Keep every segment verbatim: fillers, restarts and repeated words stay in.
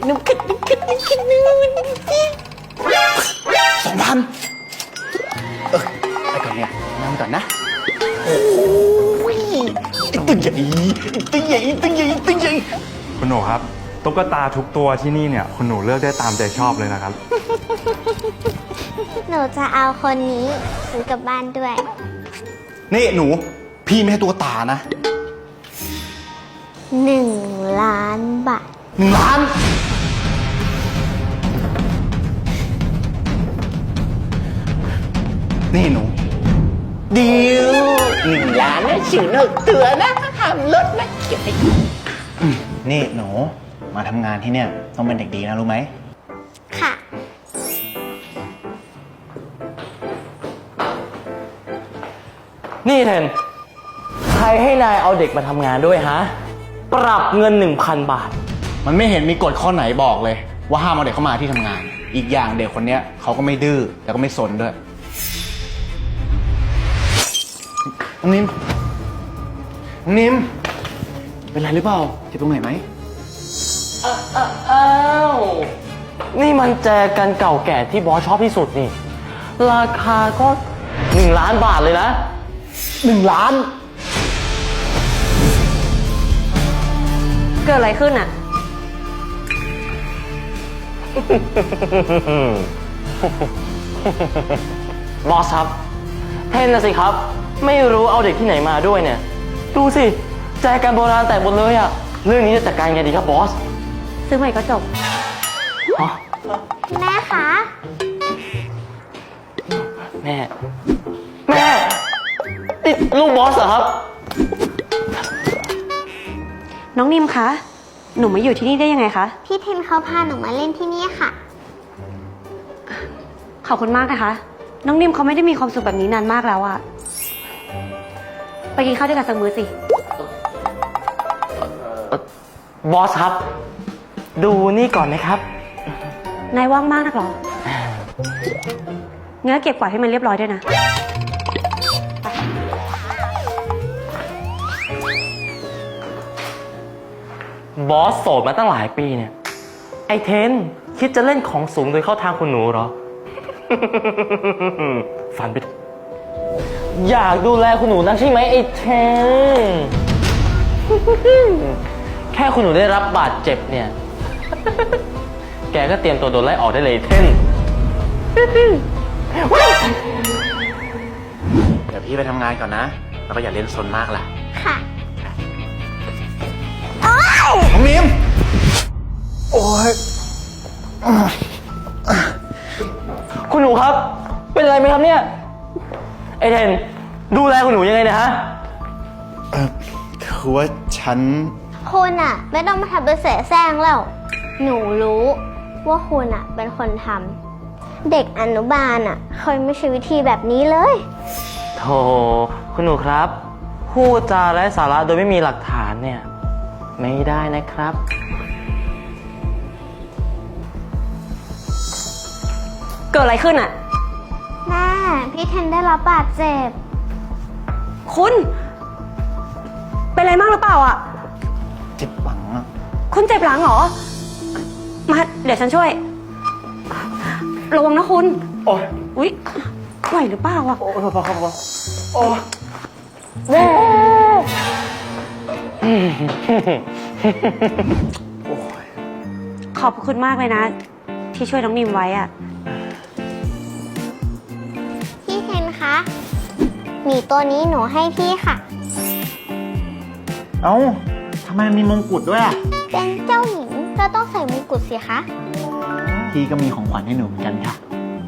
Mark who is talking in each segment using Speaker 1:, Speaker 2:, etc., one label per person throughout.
Speaker 1: น้ำขึ้นน้ำขึ้นน้ำขึ้นนู่นสองพันเออไปก่อนเนี่ยนั่งก่อนนะโอ้ยตึงใหญ่ตึงใหญ่ตึงใหญ่ตึงใหญ่
Speaker 2: คุณหนูครับตุ๊กตาทุกตัวที่นี่เนี่ยคุณหนูเลือกได้ตามใจชอบเลยนะครับ
Speaker 3: หนูจะเอาคนนี้ซื้อกลับบ้านด้วย
Speaker 1: นี่หนูพี่ไม่ให้ตัวตานะ
Speaker 3: หนึ่งล้านบาท
Speaker 1: หนึ่งล้านนี่หนูเดียวหนึ่งล้านนะฉิวหนึ่งตัวนะทำรถนะเก็บไปนี่หนูมาทำงานที่เนี่ยต้องเป็นเด็กดีนะรู้ไหม
Speaker 3: ค่ะ
Speaker 4: นี่เทนใครให้นายเอาเด็กมาทำงานด้วยฮะปรับเงิน หนึ่งพัน บาท
Speaker 1: มันไม่เห็นมีกฎข้อไหนบอกเลยว่าห้ามเอาเด็กเข้ามาที่ทำงานอีกอย่างเด็กคนเนี้ยเขาก็ไม่ดื้อแล้วก็ไม่สนด้วยน้องนิมน้องนิมเป็นไรหรือเปล่าเจ็บตรงไหนไหม
Speaker 4: อ้าวนี่มันแจกันเก่าแก่ที่บอสชอบที่สุดนี่ราคาก็หนึ่งล้านบาทเลยนะ
Speaker 1: หนึ่งล้าน
Speaker 5: เกิดอะไรขึ้นอ่ะ
Speaker 4: บอสครับเทนนะสิครับไม่รู้เอาเด็กที่ไหนมาด้วยเนี่ยดูสิแจกันโบราณแตกหมดเลยอะเรื่องนี้จะจัดการไงดีครับบอส
Speaker 5: ซื้อใหม่ก็จบ
Speaker 3: แม่คะ
Speaker 4: แม่แม่นี่ลูกบอสเหรอครับ
Speaker 5: น้องนิมคะหนูมาอยู่ที่นี่ได้ยังไงคะ
Speaker 3: พี่เทนเขาพาหนูมาเล่นที่นี่ค่ะ
Speaker 5: ขอบคุณมากนะคะน้องนิมเขาไม่ได้มีความสุขแบบนี้นานมากแล้วอะไปกินข้าวด้วยกันสักมื้อสิ
Speaker 4: บอสครับดูนี่ก่อนนะครับ
Speaker 5: นายว่างมากนักหรองั้นเก็บกวาดให้มันเรียบร้อยด้วยนะ
Speaker 4: บอสโสดมาตั้งหลายปีเนี่ยไอเทนคิดจะเล่นของสูงโดยเข้าทางคุณหนูเหรอ ฝันไปอยากดูแลคุณหนูนักใช่ไหมไอเทน แค่คุณหนูได้รับบาดเจ็บเนี่ย แกก็เตรียมตัวโดนไล่ออกได้เลยเทน
Speaker 1: เดี๋ยวพี่ไปทำงานก่อนนะแล้วก็อย่าเล่นซนมากล่ะ
Speaker 3: ค่ะ
Speaker 1: น้องนิมโอ้ย
Speaker 4: คุณหนูครับเป็นอะไรไหมครับเนี่ยไอเทนดูแลคุณหนูยังไงนะฮะ
Speaker 1: เออคือว่าฉัน
Speaker 3: คุณอะไม่ต้องมาทำเป็นเสแสร้งแล้วหนูรู้ว่าคุณอะเป็นคนทำเด็กอนุบาลอะเคยไม่ใช่วิธีแบบนี้เลย
Speaker 4: โธ่คุณหนูครับพูดจาไร้สาระโดยไม่มีหลักฐานเนี่ยไม่ได้นะครับ
Speaker 5: เกิดอะไรขึ้นอ่ะ
Speaker 3: แม่พี่เทนได้รับบาดเจ็บ
Speaker 5: คุณเป็นอะไรมากหรือเปล่าอ่ะ
Speaker 1: เจ็บหลังอ่ะ
Speaker 5: คุณเจ็บหลังเหรอมาเดี๋ยวฉันช่วยระวังนะคุณ
Speaker 4: โอ้ย
Speaker 5: อุ๊ยไหวหรือเปล่าอ่ะ
Speaker 4: โอ้พอพอพอโอ้
Speaker 5: แม่ขอบคุณมากเลยนะที่ช่วยน้องนิมไว้อ่ะ
Speaker 3: พี่เทนคะหมีตัวนี้หนูให้พี่ค่ะ
Speaker 1: เอ้าทำไมมีมงกุฎด้วยอ่ะ
Speaker 3: เป็นเจ้าหญิงก็ต้องใส่มงกุฎสิคะ
Speaker 1: พี่ก็มีของขวัญให้หนูเหมือนกันค่ะ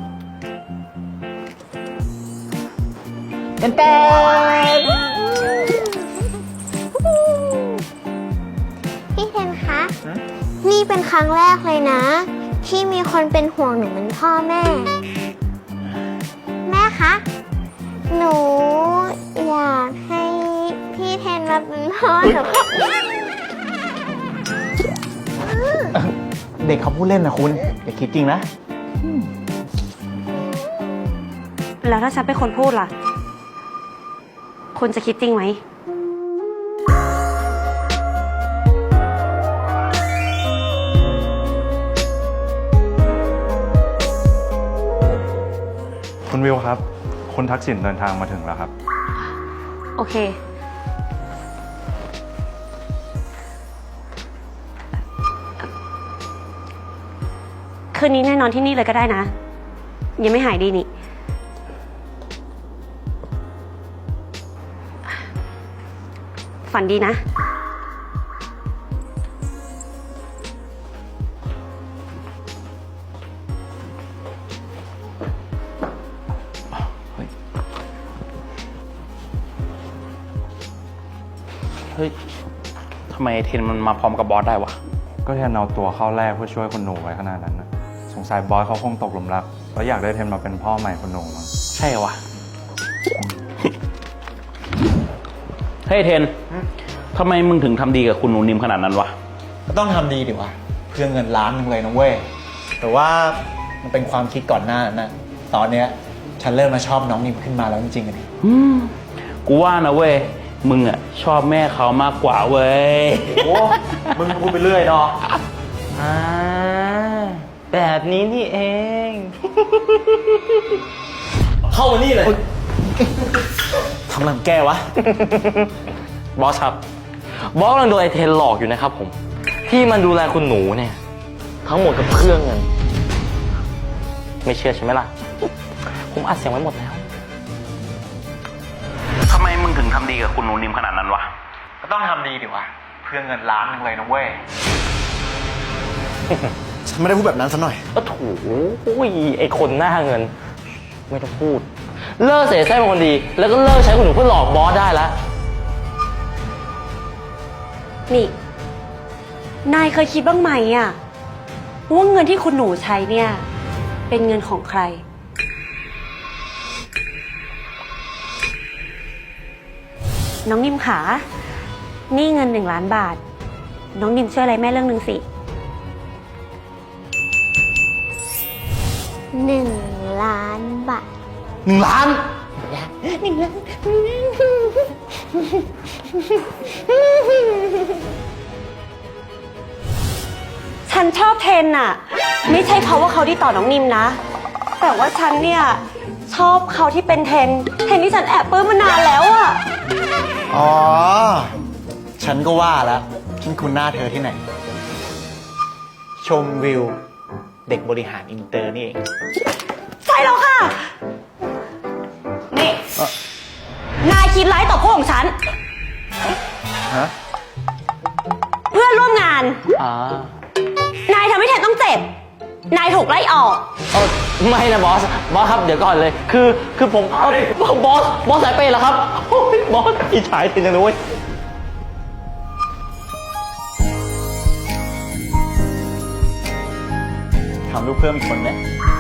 Speaker 1: เต้นเต้น
Speaker 3: พี่เทนคะนี่เป็นครั้งแรกเลยนะที่มีคนเป็นห่วงหนูเหมือนพ่อแม่แม่คะหนูอยากให้พี่เทนมาเป็นพ่อหนู
Speaker 1: เด็กเขาพูดเล่นนะคุณอย่าคิดจริงนะ
Speaker 5: แล้วถ้าฉันเป็นคนพูดล่ะคุณจะคิดจริงไหม
Speaker 2: วิวครับ คุณทักษิณเดินทางมาถึงแล้วครับ
Speaker 5: โอเค คืนนี้แน่นอนที่นี่เลยก็ได้นะ ยังไม่หายดีนี่ ฝันดีนะ
Speaker 1: เฮ้ย ทำไมเทนมันมาพร้อมกับบอสได้วะ
Speaker 2: ก็แทนเอาตัวเข้าแรกเพื่อช่วยคุณหนูไว้ขนาดนั้นนะสงสัยบอสเขาคงตกหลุมรักแล้วอยากได้เทนมาเป็นพ่อใหม่คุณหนูมั้ง
Speaker 1: ใช่วะ เฮ้ยเทน ทำไมมึงถึงทำดีกับคุณหนูนิมขนาดนั้นวะ
Speaker 6: ก็ต้องทำดีดิวะเพื่อเงินล้านหนึงเลยนะเว้ย แต่ว่ามันเป็นความคิดก่อนหน้านั้นนะตอนเนี้ยฉันเริ่มมาชอบน้องนิมขึ้นมาแล้วจริงๆอะดิ
Speaker 1: อืมกูว่านะเว้ย มึงอะชอบแม่เขามากกว่าเว้ย
Speaker 6: โอ้ มึงพูดไปเรื่อยเนาะ
Speaker 4: อ่า แบบนี้นี่เอง เข้ามานี่เลย
Speaker 6: ทำหลังแกวะ
Speaker 4: บอสครับ บอสกำลังโดนไอเทนหลอกอยู่นะครับผม ที่มันดูแลคุณหนูเนี่ย ทั้งหมดกับเครื่องเงิน ไม่เชื่อใช่ไหมล่ะ ผมอัดเสียงไว้หมดแล้ว
Speaker 1: ทำไมมึงถึงทำดีกับคุณหนูนิมขนาดนั้นวะ
Speaker 6: ก็ต้องทำดีดิวะเพื่อเงินล้านหนึงเลยนะเว้ย ฉันไม่ได้พูดแบบนั้นซะหน่อย
Speaker 4: ก็ถูยไอคนหน้าเงิน ไม่ต้องพูด เลิกเสียแซ่เป็นคนดี แล้วก็เลิกใช้คุณหนูเพื่อหลอกบอสได้แล้ว
Speaker 5: นี่ นายเคยคิดบ้างไหมอะว่าเงินที่คุณหนูใช้เนี่ย เป็นเงินของใคร น้องนิมขา นี่เงินหนึ่งล้านบาท น้องนิมช่วยอะไรแม่เรื่องหนึ่งสิ
Speaker 3: หนึ่งล้านบาท
Speaker 6: หนึ่งล้าน
Speaker 5: ฉันชอบเทนอะไม่ใช่เพราะว่าเขาดีต่อน้องนิมนะ แต่ว่าฉันเนี่ย ชอบเขาที่เป็นเทน เทนที่ฉันแอบปลื้มมานานแล้วอะ
Speaker 6: อ๋อ ฉันก็ว่าแล้วฉันคุ้นหน้าเธอที่ไหน
Speaker 1: ชมวิว เด็กบริหารอินเตอร์นี่เอง
Speaker 5: ใช่แล้วค่ะ นี่ นายคิดร้ายต่อพวกของฉัน
Speaker 6: ฮะ
Speaker 5: เพื่อนร่วมงาน
Speaker 4: อ่า
Speaker 5: นายทำให้เทนต้องเจ็บ นายถูกไล่ออก
Speaker 4: เออไม่นะบอส บอสครับเดี๋ยวก่อนเลย คือ คือผมเอ้าบอส บอสสายเปย์เหรอครับโอ้ยบอสอิจฉาจริงจังเลยเว้ย
Speaker 6: ทำลูกเพิ่มอีกคนไหม